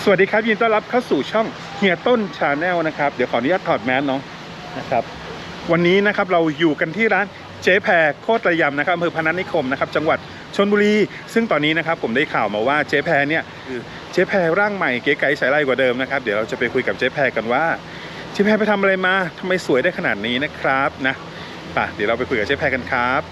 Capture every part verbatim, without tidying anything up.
วัสดีครับยินต้อนรับเข้าสู่ช่องเฮียต้นชาแนลนะครับเดี๋ยวขออนุญาตถอดแมสเนาะนะครับวันนี้นะครับเราอยู่กันที่ร้านเจ๊แพรโคตรระยำนะครับอำเภอพนัสนิคมนะครับจังหวัดชลบุรีซึ่งตอนนี้นะครับผมได้ข่าวมาว่าเจ๊แพรเนี่ยคือเจ๊แพรร่างใหม่เก๋ไก๋ใสไล่กว่าเดิมนะครับเดี๋ยวเราจะไปคุยกับเจ๊แพรกันว่าเจ๊แพรไปทำอะไรมาทำไมสวยได้ขนาดนี้นะครับนะป่ะเดี๋ยวเราไปคุยกับเจ๊แพรกันครับ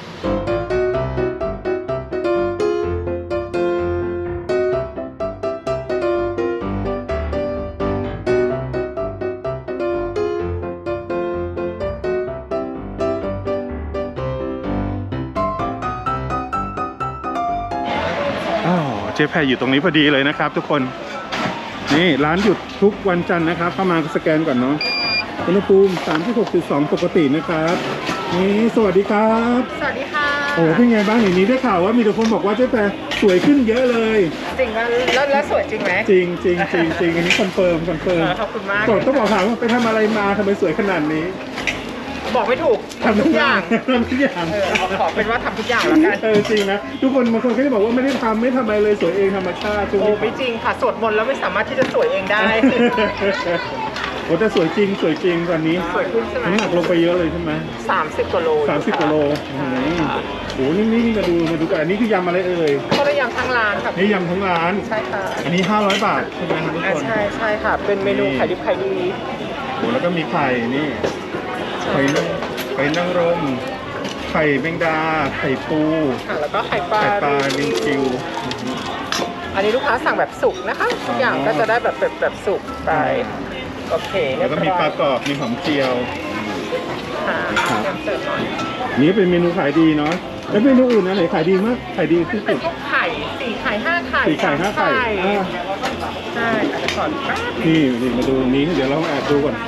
เจ๊แพรอยู่ตรงนี้พอดีเลยนะครับทุกคนนี่ร้านหยุดทุกวันจันทร์นะครับเข้ามาสแกนก่อนเนาะอุณหภูมิ สามสิบหกจุดสอง ปกตินะครับนี่สวัสดีครับสวัสดีค่ะโอ้เป็นไงบ้างอย่างนี้ได้ข่าวว่ามีแต่คนบอกว่าเจ๊แพรสวยขึ้นเยอะเลยจริงแล้วแล้วสวยจริงไหมจริงจริงจริงจริงอันนี้คอนเฟิร์มคอนเฟิร์มขอบคุณมากต้องบอกถามว่าไปทำอะไรมาทำไมสวยขนาดนี้บอกไม่ถูกทำทุกอย่างทำทุกอย่างขอเป็นว่าทำทุกอย่างแล้วกันเออจริงนะทุกคนบางคนก็จะบอกว่าไม่ได้ทำไม่ทำอะไรเลยสวยเองธรรมชาติโอ้ไม่จริงค่ะสวดมนต์แล้วไม่สามารถที่จะสวยเองได้โอ้แต่สวยจริงสวยจริงตอนนี้สวยขึ้นใช่ไหมน้ำหนักลงไปเยอะเลยใช่ไหมสามสิบกว่าโลสามสิบกว่าโลโอ้โหนี่นี่มาดูมาดูกันอันนี้คือยำอะไรเอ่ยก็ได้ยำทั้งร้านค่ะนี่ยำทั้งร้านใช่ค่ะอันนี้ห้าร้อยบาทใช่ไหมครับทุกคนใช่ใช่ค่ะเป็นเมนูไข่ดิบไข่ดีโอ้แล้วก็มีไข่นี่ไข่ไข่นางรมไข่แมงดาไข่ปูค่ะแล้วก็ไข่ปลาไข่ปลาลิงคิวอันนี้ลูกค้าสั่งแบบสุกนะคะทุกอย่างก็จะได้แบบแบบแบบสุกไปโอเคแล้วก็มีปลากรอบมีหอมเจียวค่ะเสิร์ฟหน่อยนี่เป็นเมนูขายดีเนาะแล้วเมนูอื่นนะไหนขายดีมากขายดีที่สุดเป็นพวกไข่สี่ไข่ห้าไข่สี่ไข่ห้าไข่ใช่อาจจะก่อนนี่นี่มาดูนี้เดี๋ยวเราแอบดูก่อน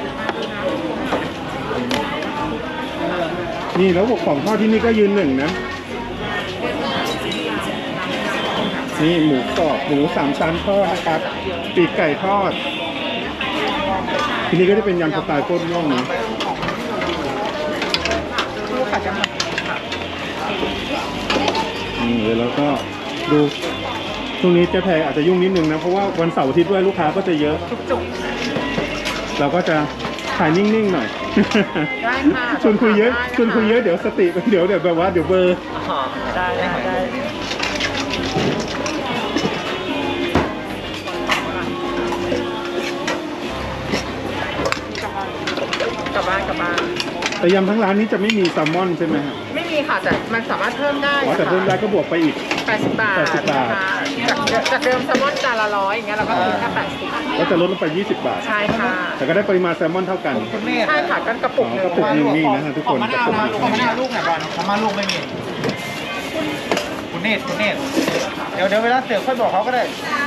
นี่แล้วของทอดที่นี่ก็ยืนหนึ่งนะนี่หมูกรอบหมูสามชั้นทอดนะครับปีกไก่ทอดทีนี้ก็จะเป็นยำสไตล์โคตรย่องนะนี่แล้วก็ดูช่วงนี้เจ๊แพรอาจจะยุ่งนิดนึงนะเพราะว่าวันเสาร์อาทิตย์ด้วยลูกค้าก็จะเยอะเราก็จะถ่ายนิ่งๆหน่อยได้ค่ะชวนคุยเยอะชวนคุยเยอะเดี๋ยวสติเดี๋ยวเดี๋ยวแบบว่าเดี๋ยวเบอร์ได้ได้ได้กลับบ้านกลับบ้านแต่ยำทั้งร้านนี้จะไม่มีแซลมอนใช่ไหมครับไม่มีค่ะแต่มันสามารถเพิ่มได้แต่เพิ่มได้ก็บวกไปอีกแปดสิบบาทจากจากเดิมแซลมอนจานละร้อยอย่างเงี้ยเราก็คิดแค่แปดสิบก็จะลดลงไปยี่สิบบาทใช่ค่ะแต่ก็ได้ปริมาณแซลมอนเท่ากันใช่ค่ะกันกระปุกนึงกระปุกนึงนี่นะฮะทุกคนกระปุกนึงมะนาวลูกไหนบอลมะนาวลูกไม่มีคุณเนตคุณเนตเดี๋ยวเดี๋ยวเวลาเสิร์ฟค่อยบอกเขาก็ได้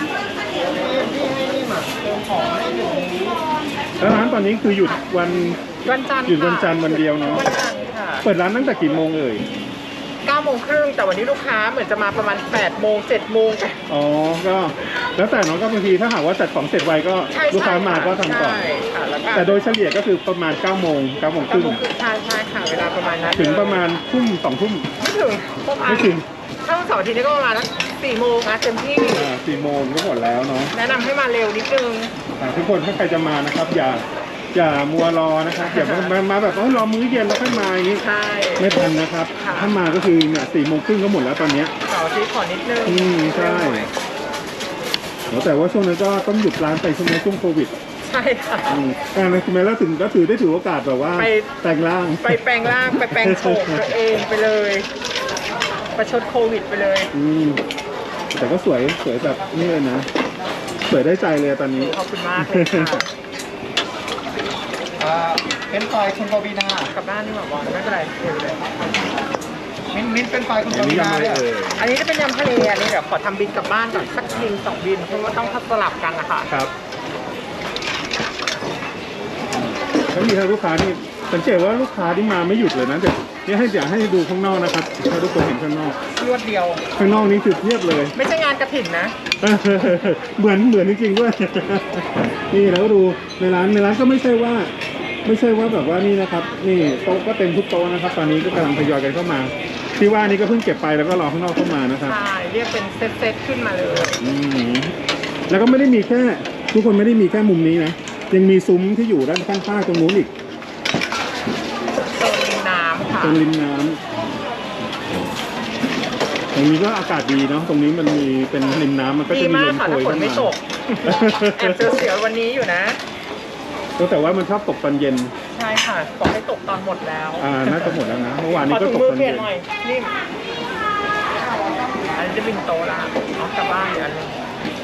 แล้วร้านตอนนี้คือหยุดวันวันจันทร์หยุดวันจันทร์วันเดียวเนาะเปิดร้านตั้งแต่กี่โมงเอ่ยเก้าโมงครึ่งแต่วันนี้ลูกค้าเหมือนจะมาประมาณแปดโมงเจ็ดโมงอ๋อก็แล้วแต่น้องก็บางทีถ้าหากว่าจัดของเสร็จไวก็ลูกค้ามาก็ทำก่อนแต่โดยเฉลี่ยก็คือประมาณเก้าโมงเก้าโมงครึ่งใช่ใช่ค่ะเวลาประมาณนั้นถึงประมาณทุ่มสองทุ่มไม่ถึงไม่ถึงถ้าวันเสาร์อาทิตย์นี้ก็ประมาณนักสี่โมงนะเต็มที่อ่าสี่โมงก็หมดแล้วเนาะแนะนำให้มาเร็วนิดนึงทุกคนถ้าใครจะมานะครับอย่าอย่ามัวรอนะครับอย่ามามาแบบรอมื้อเย็นแล้วค่อยมาอย่างนี้ไม่ทันนะครับถ้ามาก็คือเนี่ยสี่โมงครึ่งก็หมดแล้วตอนนี้เสาร์อาทิตย์ขอนิดนึงอืมใช่แต่ว่าช่วงนั้นก็ต้องหยุดร้านไปช่วงนี้ช่วงโควิดใช่ค่ะอ่าคุณแม่แล้วถึงก็ถือได้ถือโอกาสแบบว่าไปแต่งร่างไปแปลงร่างไปแปลงโฉมตัวเองไปเลยประชดโควิดไปเลยอืมแต่ก็สวยสวยแบบนี่เลยนะสวยได้ใจเลยตอนนี้ขอบคุณมากเลยค่ะเป็นไฟคุณปวีนากลับบ้านนี่หว่าบอลไม่เป็นไรเดี๋ยวเลยมิ้นมิ้นเป็นไฟคุณปวีนาเนี่ยอันนี้จะเป็นยำทะเลอันนี้เดี๋ยวขอทำบินกลับบ้านก่อนสักบินสองบินเพราะว่าต้องสลับกันนะคะครับแล้วมีทางลูกค้านี่สังเกตว่าลูกค้าที่มาไม่หยุดเลยนะเดี๋ยวนี่ให้อยากให้ดูข้างนอกนะครับให้ทุกคนเห็นข้างนอกรวดเดียวข้างนอกนี้คือเทียบเลยไม่ใช่งานกระถิ่นนะเหมือนเหมือนจริงๆด้วยนี่แล้วก็ดูในร้านในร้านก็ไม่ใช่ว่าไม่ใช่ว่าแบบว่านี่นะครับนี่โต๊ะก็เต็มทุกโต๊ะนะครับตอนนี้ก็กำลังทยอยกันเข้ามาที่ว่านี่ก็เพิ่งเก็บไปแล้วก็รอข้างนอกเข้ามานะครับใช่เรียกเป็นเซตๆขึ้นมาเลยอืมแล้วก็ไม่ได้มีแค่ทุกคนไม่ได้มีแค่มุมนี้นะยังมีซุ้มที่อยู่ด้านข้างๆตรงนู้นอีกโซนริมน้ำค่ะตรงริมน้ำตรงนี้ก็อากาศดีเนาะตรงนี้มันมีเป็นริมน้ำมันก็ดีจะมีมาลกมค่ะโชถ้าย ฝนเข้าไม่มาตก แอบเสียวๆวันนี้อยู่นะแต่ว่ามันชอบตกตอนเย็นใช่ค่ะบอกให้ตกตอนหมดแล้วอ่าน่าจะหมดแล้วนะเมื่อวานขนี้อก็ถุงตกมือตอนเปลี่เย็ยนนหน่อยนิ่มอันนี้จะบินโตละเอากลับบ้านอีกอันหนึง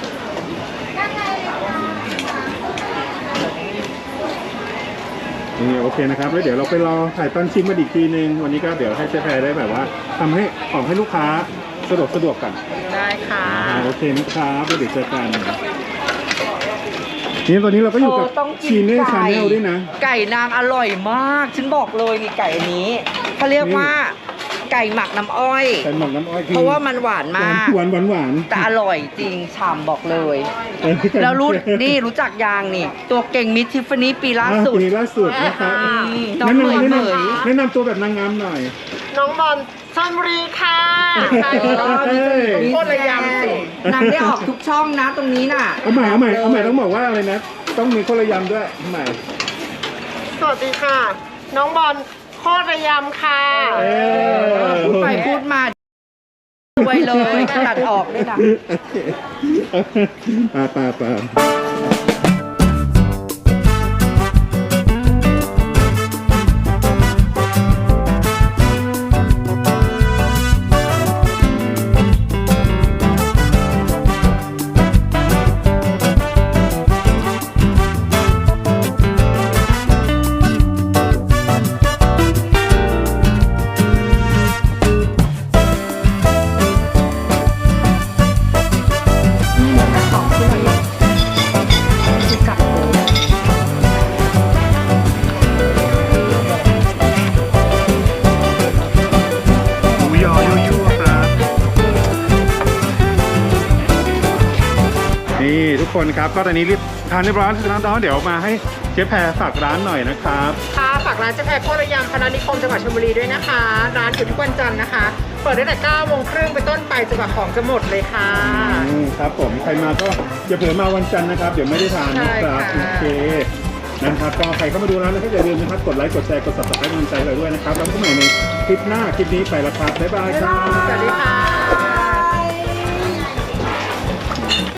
นี่โอเคนะครับแล้วเดี๋ยวเราไปรอถ่ายตอนชิมมาอีกทีนึงวันนี้ก็เดี๋ยวให้เจ๊แพรได้แบบว่าทำให้ของให้ลูกค้าสะดวกสะดวกกันได้ค่ะอ่าโอเคนะครับแล้วเดี๋ยวเจอกันนี่ตอนนี้เราก็อยู่กับเธอต้องกินชีเน่ไก่ชาแนลด้วยนะไก่นางอร่อยมาก ฉันบอกเลยนี่ไก่อันนี้เขาเรียกว่าไก่หมักน้ำอ้อยแต่หมักน้ำอ้อยคือเพราะว่ามันหวานมากหวานหวานหวานแต่อร่อยจริงฉ่ำบอกเลยเออแล้วรู้นี่รู้จักยางนี่ ตัวเก่งมิสทิฟฟานี่ปีล่าอ่ะสุดปีล่าสุดนะครับอืมน้องแนะเหมนำยแนะเหมนำยแนะนำตัวแบบนางงามหน่อยน้องบอลชลบุรีค่ะใช่แล้วเอ้ยโคตรระยำสินางได้ออกทุกช่องนะตรงนี้น่ะเอาใหม่เอาใหม่เอาใหม่ต้องบอกว่าอะไรนะ ต้องมีคนละยำด้วยเอาใหม่สวัสดีค่ะ น้องบอลโคตรระยำค่ะเออพูดไปพูดมาช่วยเลยตัดออกด้วยนะปาปาปาหมูยอยั่วๆครับ นี่ทุกคนครับก็ตอนนี้รีบทานเรียบร้อยแล้วนะเดี๋ยวมาให้เจ๊แพรฝากร้านหน่อยนะครับค่ะฝากร้านเจ๊แพรโคตรระยำพนัสนิคมจังหวัดชลบุรีด้วยนะคะ ร้านอยู่ทุกวันจันทร์นะคะ เปิดตั้งแต่เก้าโมงครึ่งไปนต้นไปจนกว่าของจะหมดเลยค่ะอืมครับผมใครมาก็อย่าเผลอมาวันจันทร์นะครับ เดี๋ยวไม่ได้ทานนะครับใช่ค่ะโอเคนะครับก็ใครเข้ามาดูร้านนะครับอย่าลืมนะครับกดไลค์กดแชร์กด ซับสไครบ์ กำลังใจเราด้วยนะครับแล้วพบกันใหม่ในคลิปหน้าคลิปนี้ไปแล้วครับบ๊ายบายครับสวัสดีค่ะ